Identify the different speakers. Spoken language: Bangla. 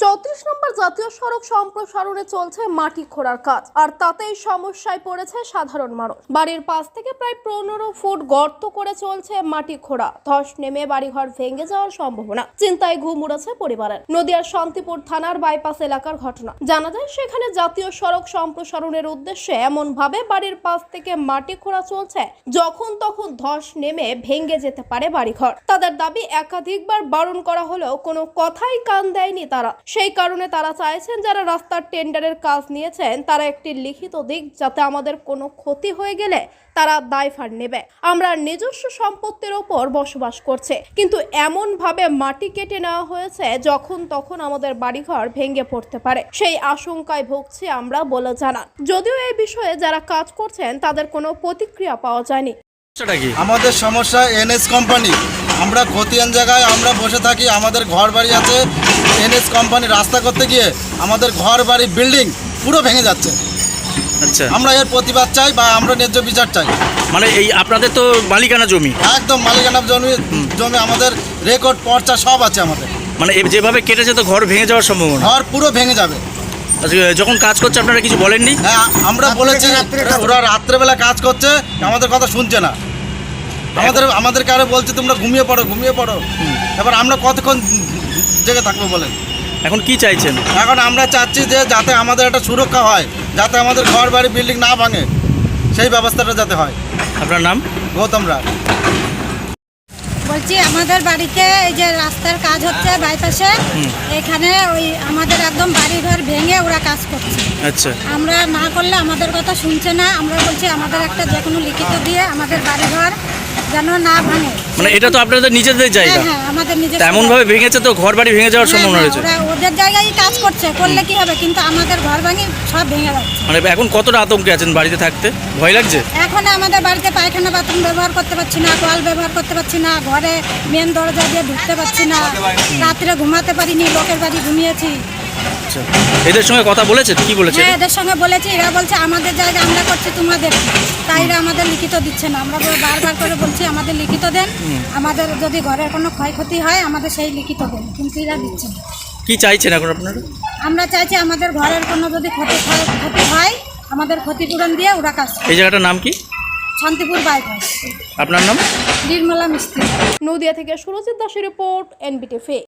Speaker 1: 34 নম্বর জাতীয় সড়ক সম্প্রসারণে চলছে মাটি খোঁড়ার কাজ, আর তাতেই সমস্যায় পড়েছে সাধারণ মানুষ। বাড়ির পাশ থেকে প্রায় 15 ফুট গর্ত করে চলছে মাটি খোঁড়া। ধস নেমে বাড়িঘর ভেঙে যাওয়ার সম্ভাবনা, চিন্তায় ঘুম উড়েছে পরিবারের। নদিয়ার শান্তিপুর থানার বাইপাস এলাকার ঘটনা। জানা যায় সেখানে জাতীয় সড়ক সম্প্রসারণের উদ্দেশ্যে এমন ভাবে বাড়ির পাশ থেকে মাটি খোঁড়া চলছে যখন তখন ধস নেমে ভেঙে যেতে পারে বাড়িঘর। তাদের দাবি একাধিকবার বারণ করা হলেও কোনো কথাই কান দেয়নি তারা। সেই কারণে তারা চাইছেন যারা রাস্তার টেন্ডারের কাজ নিয়েছেন তারা একটি লিখিত দিক, যাতে আমাদের কোনো ক্ষতি হয়ে গেলে তারা দায়ভার নেবে। আমরা নিজস্ব সম্পত্তির ওপর বসবাস করছে, কিন্তু এমন ভাবে মাটি কেটে নেওয়া হয়েছে যখন তখন আমাদের বাড়িঘর ভেঙে পড়তে পারে, সেই আশঙ্কায় ভুগছি আমরা বলে জানান। যদিও এই বিষয়ে যারা কাজ করছেন তাদের কোনো প্রতিক্রিয়া পাওয়া যায়নি।
Speaker 2: আমাদের সমস্যা এনএস কোম্পানি। আমরা খতিয়ান জায়গায় আমরা বসে থাকি, আমাদের ঘর বাড়ি আছে। এনএস কোম্পানি রাস্তা করতে গিয়ে আমাদের ঘর বাড়ি বিল্ডিং পুরো ভেঙে যাচ্ছে।
Speaker 3: আচ্ছা,
Speaker 2: আমরা এর প্রতিবাদ চাই বা আমরা ন্যায্য বিচার চাই।
Speaker 3: মানে এই আপনাদের তো মালিকানা জমি?
Speaker 2: একদম মালিকানা জমি আমাদের রেকর্ড পর্চা সব আছে আমাদের।
Speaker 3: মানে যেভাবে কেটেছে তো ঘর ভেঙে যাওয়ার সম্ভাবনা?
Speaker 2: ঘর পুরো ভেঙে যাবে।
Speaker 3: আচ্ছা, যখন কাজ করছে আপনারা কিছু বলেননি?
Speaker 2: হ্যাঁ, আমরা বলেছি, ওরা রাত্রেবেলা কাজ করছে, আমাদের কথা শুনছে না। আমাদেরকে আরো বলছে তোমরা ঘুমিয়ে পড়ো। এবার আমরা কতক্ষণ জেগে থাকবো বলেন?
Speaker 3: এখন কি চাইছেন?
Speaker 2: এখন আমরা চাচ্ছি যে যাতে আমাদের একটা সুরক্ষা হয়, যাতে আমাদের ঘর বাড়ি বিল্ডিং না ভাঙে, সেই ব্যবস্থাটা যাতে হয়।
Speaker 3: আপনার নাম?
Speaker 2: গৌতম রায়।
Speaker 4: বলছি আমাদের বাড়িতে এই যে রাস্তার কাজ হচ্ছে বাইপাসে, এখানে ওই আমাদের একদম বাড়িঘর ভেঙে ওরা কাজ করছে।
Speaker 3: আচ্ছা,
Speaker 4: আমরা না করলে আমাদের কথা শুনছে না। আমরা বলছি আমাদের একটা যে কোনো লিখিত দিয়ে আমাদের বাড়িঘর যেন না ভাঙে।
Speaker 3: মানে এটা তো আপনাদের নিজেদের জায়গা?
Speaker 4: হ্যাঁ, আমাদের নিজের।
Speaker 3: এমন ভাবে ভেঙেছে তো ঘর বাড়ি ভেঙে যাওয়ার সম্ভাবনা রয়েছে।
Speaker 4: ওরা ওদের জায়গায় কাজ করছে, করলে কি হবে, কিন্তু আমাদের ঘর ভাঙি সব ভেঙে যাচ্ছে।
Speaker 3: মানে এখন কতটা আতঙ্কে আছেন বাড়িতে থাকতে? ভয় লাগছে?
Speaker 4: এখন আমাদের বাড়িতে পায়খানা বাথরুম ব্যবহার করতে পারছি না, কল ব্যবহার করতে পারছি না, ঘরে মেন দরজা দিয়ে ঢুকতে পারছি না, রাত্রে ঘুমাতে পারিনি, লোকের বাড়ি ঘুমিয়েছি।
Speaker 3: আচ্ছা, এদের সঙ্গে কথা বলেছেন? কি বলেছে?
Speaker 4: হ্যাঁ, এদের সঙ্গে বলেছি, এরা বলছে আমাদের জায়গা আমরা করছি, তোমাদের। তাই এরা আমাদের লিখিত দিচ্ছে না। আমরা বারবার করে বলছি আমাদের লিখিত দেন, আমাদের যদি ঘরের কোনো ক্ষয়ক্ষতি হয় আমাদের সেই লিখিত দেন, কিন্তু এরা দিচ্ছে না।
Speaker 3: কি চাইছেন এখন আপনারা?
Speaker 4: আমরা চাইছি আমাদের ঘরের কোনো যদি ক্ষতি হয় আমাদের ক্ষতিপূরণ দিয়ে ওরা কাজ করে।
Speaker 3: এই জায়গাটার নাম কি?
Speaker 4: শান্তিপুর বাইপাস।
Speaker 3: আপনার নাম?
Speaker 4: নির্মলা মিস্ত্রি।
Speaker 1: নদিয়া থেকে সুরজিৎ দাসের রিপোর্ট, NBTV।